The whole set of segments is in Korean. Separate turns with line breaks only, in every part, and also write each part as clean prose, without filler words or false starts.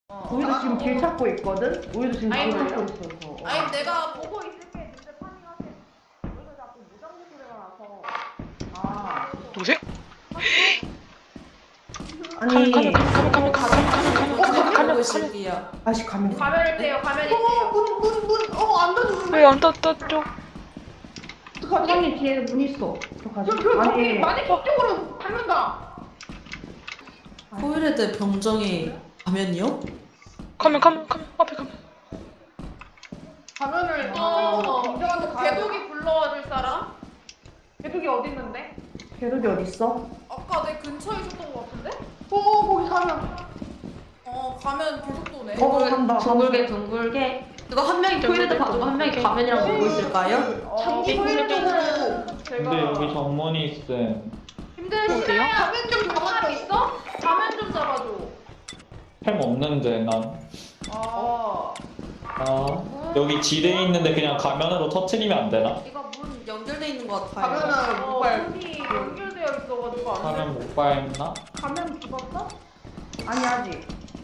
우리도 지금 길 찾고 있거든? 우리도 지금 길 찾고 있어.
아니 내가 보고 있을게. 진짜 파밍하세요. 여기서 자꾸 무전기 소리가 나서.
아.
누구세요?
아니.
가면
다시 가면.
가면이 떼요. 가면이 떼요.
안 닫혀.
왜안 떴죠?
사장님 뒤에 문 있어. 들어가지.
아니 많이 저쪽으로 가면다.
코일헤드 병정이 가면이요?
가면 앞에 가면.
가면을 인정한테 개독이 불러줄 사람? 개독이 어디 있는데?
개독이 어딨어?
아까 내 근처에 있었던 것 같은데?
거기 가면.
가면 계속 도네.
간다.
둥글게 이거 한 명이 코일헤드 봐주고 한 명이 가면이랑 보고 있을까요?
장기 소리적으로
근데 여기 정문이 있음.
힘드시네. 가면 좀 잡은 사람 있어? 가면 좀 잡아줘.
햄 없는데 난.
아.
여기 지뢰 있는데 그냥 가면으로 터트리면 안 되나?
이거 문 연결돼 있는 것 같아요.
가면은 문이 연결되어 있어가지고 안 돼.
가면 못 밟나?
가면 죽었어?
아니 아직.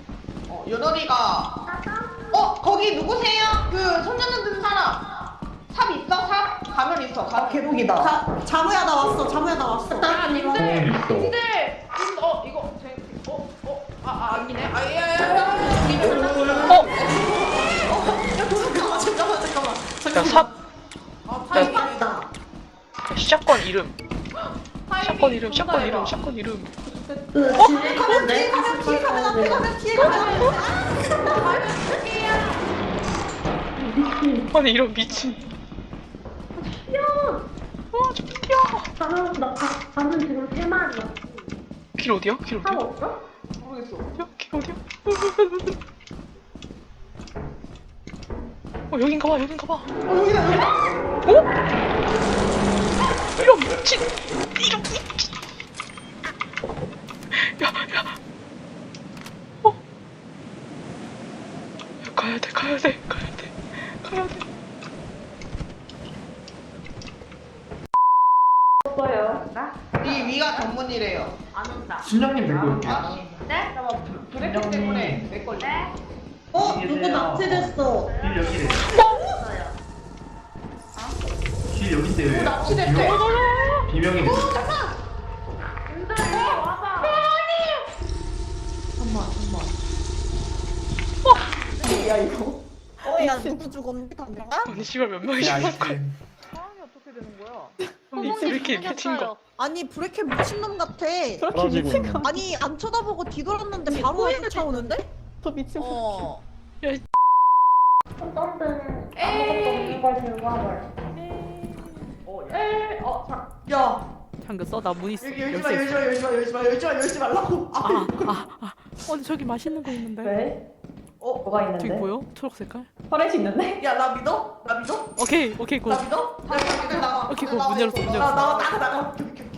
연월이가 거기 누구세요? 그 손전등 든 사람 삽 있어? 삽? 가면 있어.
아 개독이다.
자무야 나 왔어.
야 님들
가면 있어.
님들 이거 아니네.
야 삽.
타이밍
샷건 이름. 샷건 이름.
가면 뒤에 가면
아니 이런 미친. 와 좀 뛰어.
나는 지금 3마리야.
길 어디야?
없어?
모르겠어.
길 어디야? 여긴가 봐. 이런 미친. 야. 가야 돼.
이 위가 전문이래요.
안 온다.
신장님 들고 올게.
네?
브레이크 때문에 내 걸려.
누구 납치됐어.
길 여기래. 길 여긴데 왜?
납치됐대.
비명이
님들 이리 와봐.
야 누구 죽었는데 가면?
아니 씨발 몇 명이
야,
죽은 거야?
상황이 어떻게 되는 거야?
아니 왜 이렇게 미친 거?
아니 브레이크 미친놈 같아.
떨어지고 있는.
아니 안 쳐다보고 뒤돌았는데 바로 쫓아오는데?
저 미친.
에이.
이걸 들고 와봐.
야
잠겼어? 나 문 있어.
열지 말라고.
근데 저기 맛있는 거 있는데.
왜? 뭐가 있는데?
저기 보여? 초록 색깔?
터렛 있는데?
야 나 믿어?
오케이 고.
믿어? 야 나가.
오케이, 고. 문 열었어, 문 열었어.
나가.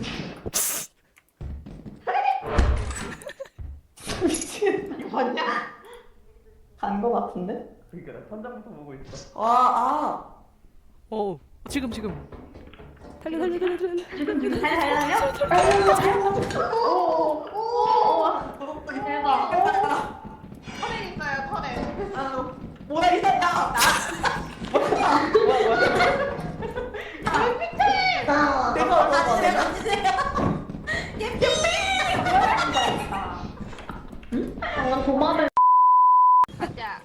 미친.
이거 봤냐?
간 거 같은데?
그러니까 나 천장부터 보고 있어.
지금. 달려.
대박. 터렛 있어요 터렛. 뭐야 이 사람. 내가 올라가.
도마를.
가자.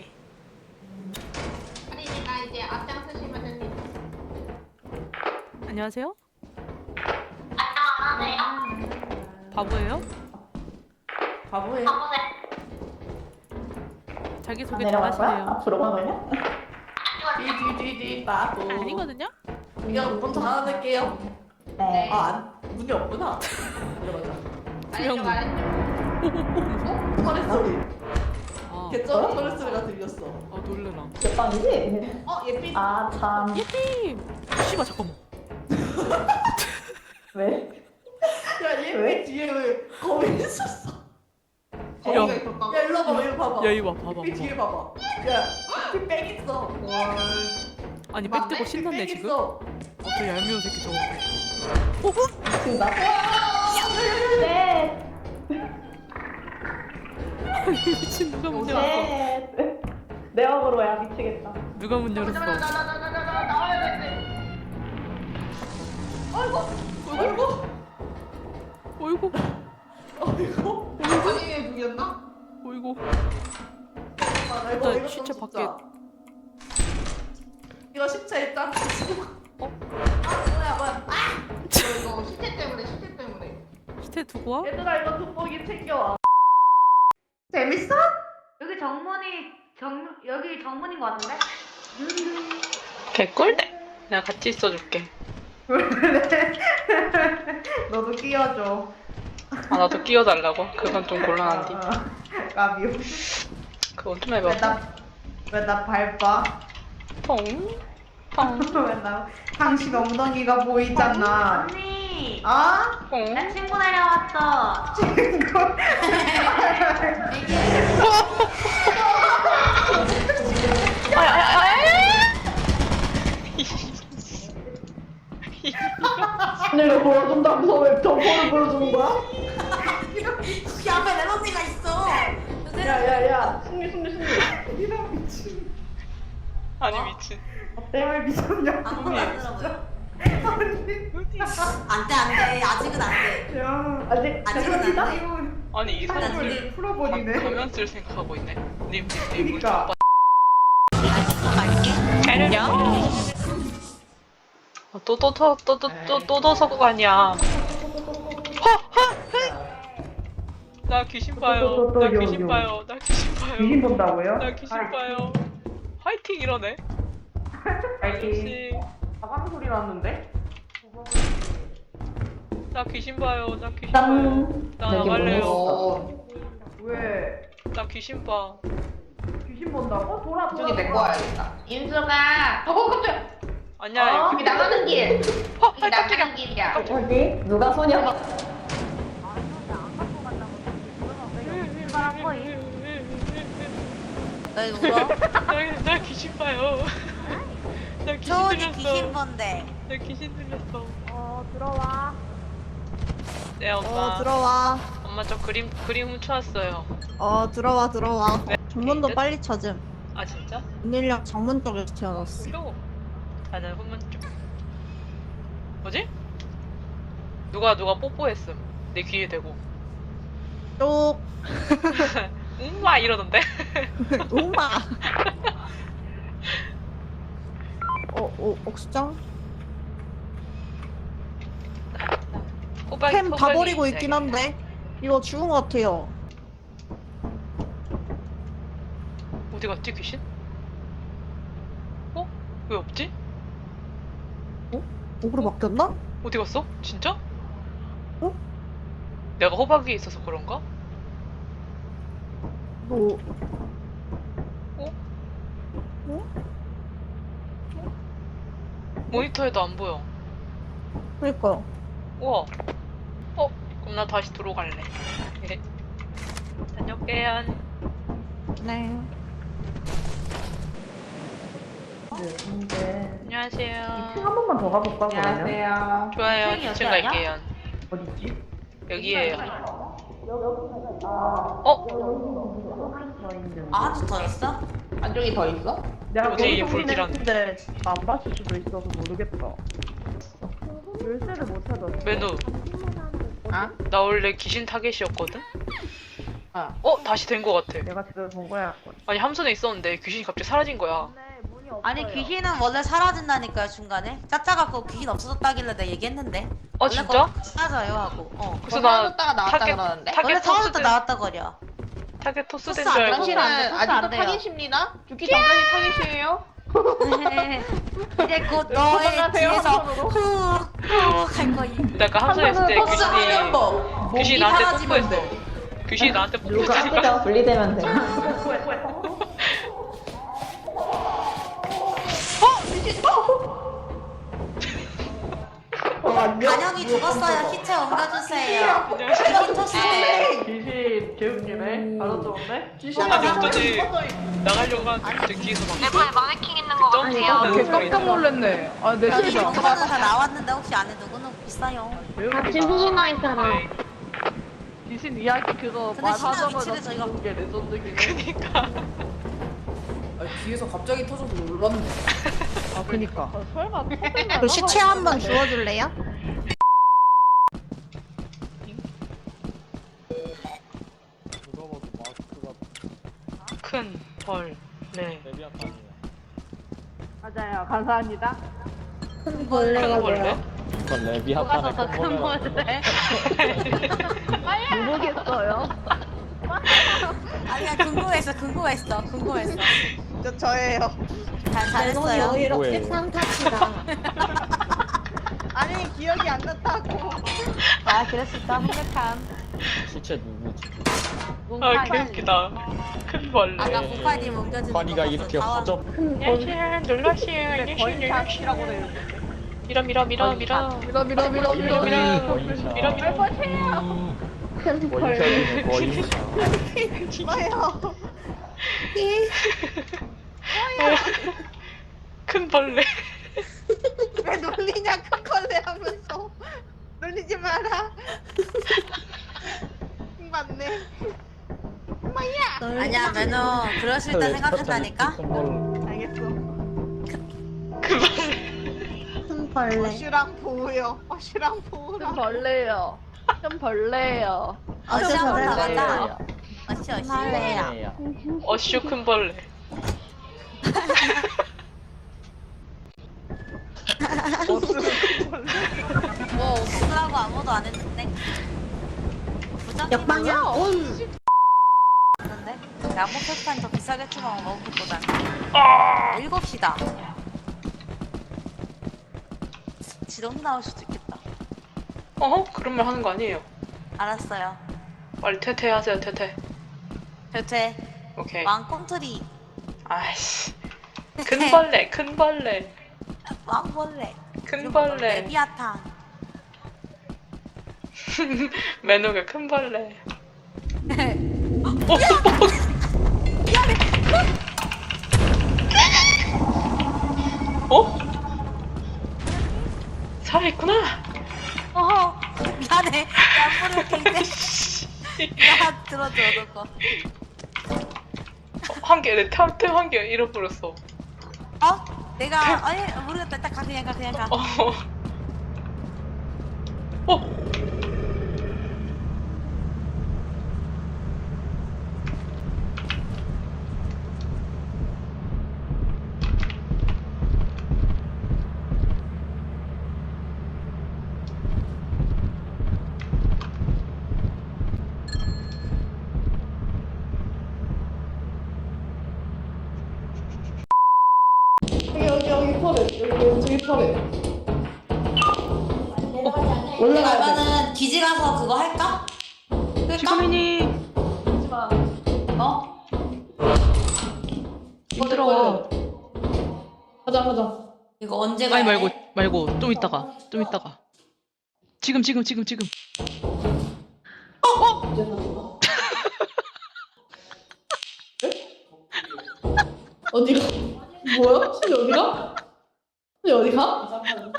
할인이가 이제 앞장서시면 됩니다.
안녕하세요. 바보예요?
바보예요.
자기 소개
내려갈 거야?
잘하시네요.
앞으로 가면요?
뒤 빠고.
아니거든요?
그냥 문 닫아둘게요.
네.
문이 없구나.
아래쪽 아래쪽.
터렛 소리.
아,
개쩌는 터렛 소리가 들렸어.
놀래라.
몇 방이지?
예삐.
아 참.
예삐! 씨발 잠깐만.
왜?
야 예삐
왜?
뒤에 왜 거미 있었어?
야.
야 일로 와봐 이거 봐봐.
야 이거 봐봐.
예삐 뒤에 봐봐. 야 예삐 백 있어.
아니 백 뜨고 신났네
백
지금?
있어.
저 얄미운 새끼 저거.
지금 나. 네.
미친 누가 문 열었어?
내 어그로야 미치겠다.
누가 문 열었어?
나와야 돼.
어이구
아니 누구였나?
어이구.
아,
일단 시체 밖에.
이거 시체 일단. 뭐야.
이거 시체 때문에.
시체 두고 와?
얘들아 이거 돋보기 챙겨와.
재밌어?
여기 여기 정문인 것 같은데?
개꿀대. 내가 같이 있어줄게.
너도 끼워줘.
아 나도 끼워달라고? 그건 좀 곤란한데.
까비오.
그건 좀 해봐.
왜 나 밟아?
펑. 펑.
왜 나 당신 엉덩이가 보이잖아.
언니!
아?
펑.
나 친구 내려왔어.
친구. 내가 보여준다면서 왜 정보를 보여주는 거야?
이 앞에 내 언니가 있어.
야야야 승리 이런 미친
아니 미친.
때문에 미쳤냐?
아무것도 안 들어보여.
아니
안돼 아직은 안돼.
야 아직
아직은
대박이다?
안 돼.
이거
아니 이 사람들
풀어버리네.
가면 쓸 생각하고 있네. 님
그니까.
또더서고 아니야. 나 귀신 봐요. 나 귀신 봐요. 나 귀신 봐요.
귀신 본다고요?
나 귀신 봐요. 화이팅 이러네. 아저씨.
가방 소리 났는데?
나 귀신 봐요. 나 귀신 봐요. 나 나갈래요.
왜?
나 귀신 봐.
귀신 본다고? 돌아
저기 내거 와야겠다. 인수가
깜짝이야.
아니야.
여기 나가는 길. 여기
깜짝이야.
나가는 길이야.
어디? 누가 소녀가
너 이거 울어?
나 귀신 봐요. 나 귀신
초원이
들렸어.
귀신 본데.
나 귀신 들렸어.
들어와.
네 엄마.
들어와.
엄마 저 그림 훔쳐왔어요.
들어와. 정문도
네?
빨리 찾음.
아 진짜?
문일력 정문 쪽에 지어놨어.
표. 나는 후문 쪽. 뭐지? 누가 뽀뽀했음. 내 귀에 대고.
쪽.
음마 이러던데.
엄마. 옥수정? 템 다 버리고 있긴 한데. 이거 죽은 것 같아요.
어디 갔지 귀신? 어? 왜 없지?
목으로 바뀌었나?
어디 갔어? 진짜?
어?
내가 호박이 있어서 그런가?
너.
모니터에도 안 보여.
그니까요.
우와. 그럼 나 다시 들어갈래. 다녀올게요.
네.
안녕하세요.
한 번만 더 가볼까 그러면?
안녕하세요.
좋아요.
여기
2층
아니야?
갈게요.
어딨지?
여기에요.
아주 더 있어?
안쪽이 더 있어?
내가
뭐지, 이게
거기서
불길한.
했는데 안 봤을 수도 있어서 모르겠다. 열쇠를 못 찾았어.
메누.
아?
나 원래 귀신 타겟이었거든?
아.
다시 된 거 같아.
내가 제대로 본 거야.
아니 함선에 있었는데 귀신이 갑자기 사라진 거야.
아니 귀신은 원래 사라진다니까요 중간에. 짜짜갖고 귀신 없어졌다길래 내가 얘기했는데.
아 진짜?
사라져요 하고.
그래서 나
사라졌다가 나왔다 그러는데?
원래
타겟
사라졌다
토스된
나왔다 거려.
타겟 토스된
토스
줄
안
알고.
당신은
당신은
토스 안
아직도
돼요.
타겟입니다. 죽기 전까지 타겟이에요.
이제 곧 너의
도망가세요,
뒤에서
함선으로.
후후할 거임.
내가 함선에 있을 때
토스
귀신이
하려고.
귀신이
목이
나한테
사라지면
뽀뽀했어. 귀신이 나한테
누가
뽀뽀했어.
아기가 분리되면 돼.
간영이 죽었어요. 시체 옮겨주세요. 귀신 토스네.
귀신 재훈님의 알아들었네?
아니 어쩐지 나가려고 하는데 뒤에서 막
마네킹 있는 거
점프하는 소리.
깜짝 놀랐네. 아, 내
여기
실수.
정보는 다 나왔는데 혹시 안에 누구는 있어요?
같이 후문화 있잖아.
귀신 이야기 그거
근데 신나
말하자마자
위치를 저희가
죽는 게 레전드긴 해.
그니까.
아, 뒤에서 갑자기 터져서 놀랐네.
아 그니까.
설마 터지면
그 시체 한번 주워줄래요?
큰 벌. 네.
레비아탄이에요.
맞아요. 감사합니다.
큰 벌레?
이건 레비아탄의 큰 벌레.
모르겠어요.
아니야 궁금했어.
저예요.
잘했어요.
뭐예요?
아니 기억이 안 났다고.
아 그랬을까? 행복함.
시체 누구지?
아 개웃기다. 큰 벌레.
아까 보파님 옮겨주는
환희가
거
이렇게
봤어.
허접.
예시 눌러시
근데 거인샷이라고 돼 있는데.
밀어.
밀어 밀어 밀어 밀어 밀어 밀어 밀어 보세요.
원샷이네 원샷.
뭐예요?
큰 벌레.
왜 놀리냐 큰 걸레 하면서 놀리지 마라. 맞네.
아니야 매너 그러실 때 생각했다니까.
알겠어.
큰 벌레.
어시랑 보우요. 어시랑
좀
보우랑.
벌레요. 좀 벌레요.
어시랑
벌레예요.
올라가자. 어시.
어슈 큰 벌레.
뭐 없으라고 아무도 안 했는데.
역방향 온.
그런데 나무 패스탄 더 비싸겠지만 먹을 것보단.
아!
7시다. 지렁이 나올 수도 있겠다.
그런 말 하는 거 아니에요.
알았어요.
빨리 퇴퇴하세요 퇴퇴.
대체
오케이.
왕꿈틀이
아이씨. 큰 벌레.
왕벌레.
큰 벌레.
레비아탄.
매너가 큰 벌레. 어? 살아있구나.
어허 미안해. 양보를 갱대. 야 들어줘 너 거.
한 개, 내 템 한 개 잃어버렸어.
어? 내가 아니 모르겠다. 딱 가 그냥 가.
어.
그러면은 기지 가서 그거 할까? 끌까?
지금이니
어?
힘들어.
이거 언제 가야
아니
돼?
말고 좀 이따가. 지금.
어디가? 뭐야? 신이 어디가? 신이 어디가?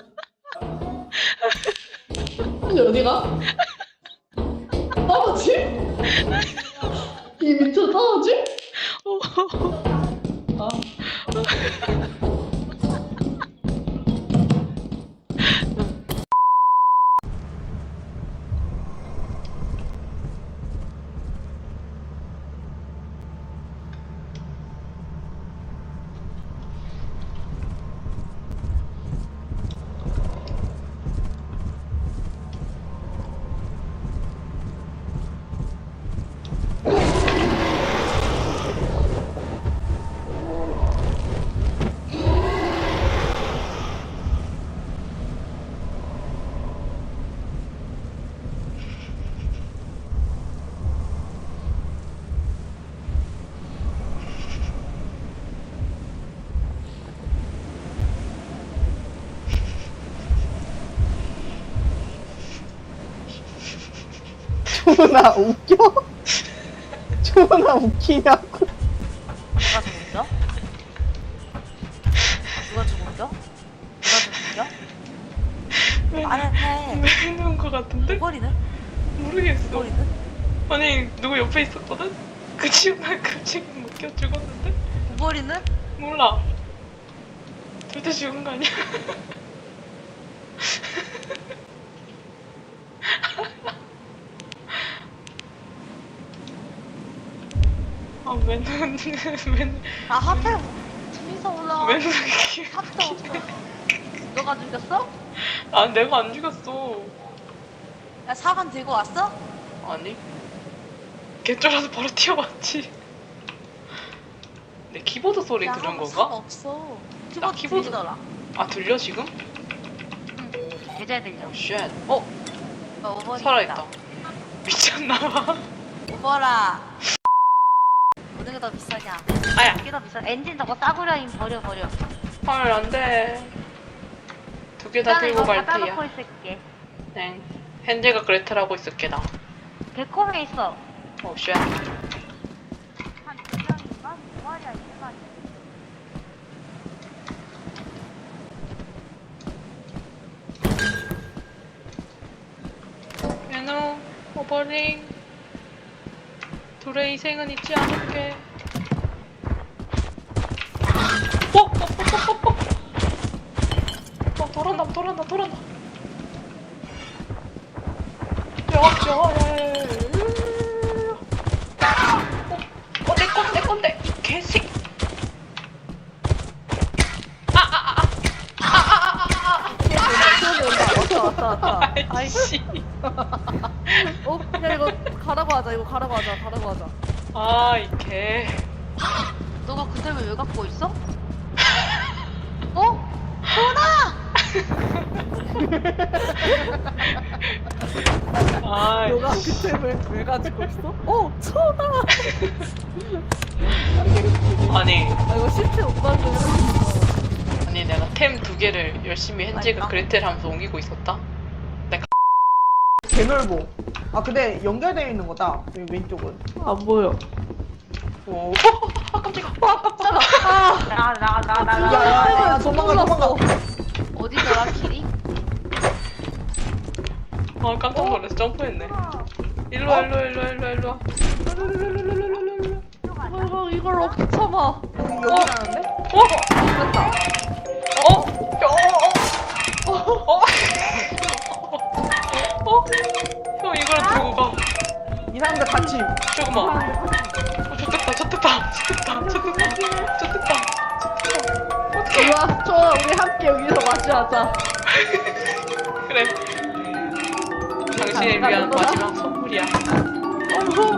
신이 어디가? 떨어지? 이 밑으로 떨어지? 아.
조나 웃겨? 조나 웃기냐고.
누가 죽었죠? 누가 죽었죠? 말을 해.
왜 죽는 거 같은데?
꼬리는?
모르겠어.
꼬리는?
아니 누구 옆에 있었거든? 그 친구가 갑자기 묶여 죽었는데?
우버리는?
몰라. 절대 죽은 거 아니야? 아 맨날
아 하필 둘이서 올라와.
맨날
합도 없어. 너가 죽였어?
아 내가 안 죽였어.
야 사관 들고 왔어?
아니 개쫄아서 바로 튀어왔지. 내 키보드 소리
야,
들은
사관
건가?
없어.
나
키보드
키보드-
들리더라.
아 들려 지금?
계좌에 들려.
쉣.
우버리
살아있다. 미쳤나봐.
우버라. 어느 게 더 비싸냐?
아야.
이게 더 비싸. 엔진 저거 싸구려임 버려.
헐 안돼. 두 개 다 들고 갈
갖다
테야.
놓고 있을게.
네. 헨젤과 그레텔하고 있을게 나.
개콤에 있어.
오 쉣.
한 2명인가? 2마리야 2마리.
얘노 오버링. 둘의 희생은 잊지 않을게. 돌아온다. 내 건데, 이 개새끼.
왔다.
아이씨.
야 이거 가라고 하자.
아, 이 개.
너가 그 템을 왜 갖고 있어? 어?
아,
너가 그 템을 왜 가지고 있어? 천아.
아니,
아 이거 시체 오빠한테
아니 내가 템 두 개를 열심히 헨젤과
맛있다.
그레텔 하면서 옮기고 있었다.
개넓어. 아 근데 연결되어 있는 거다. 여기 왼쪽은.
안 보여.
오.
나가.
야야야 도망가.
어디더라 길이?
아, 깜짝 놀라서 점프했네. 일로 와.
이걸 어떻게 참아?
여기라는데?
형 이걸 들고 가.
이 사람들 같이.
조금만. 좋됐다.
일로와, 천아 우리 함께 여기서 마주하자.
그래. 당신을 위한 마지막 선물이야.
무서워.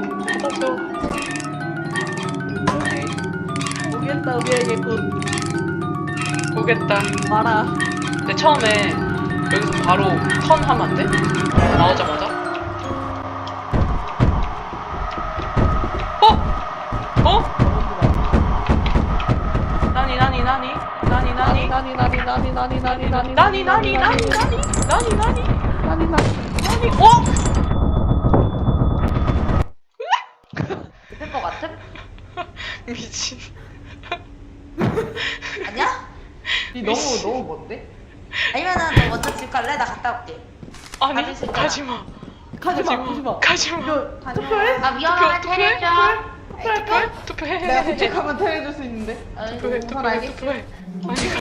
오겠다 우리에게 곧
오겠다.
와라.
근데 처음에 여기서 바로 턴하면 안 돼? 나오자마자?
될 것 같음?
미친.
아니야?
이 너무 뭔데?
아니면은 너 먼저 집 갈래? 나 갔다 올게.
아니,
가질 수 있잖아.
가지마.
투표해?
나 위험하면 테레줘.
투표해.
내가 도착하면 테레줄 수 있는데.
우선 알겠지.
투표해. 아니,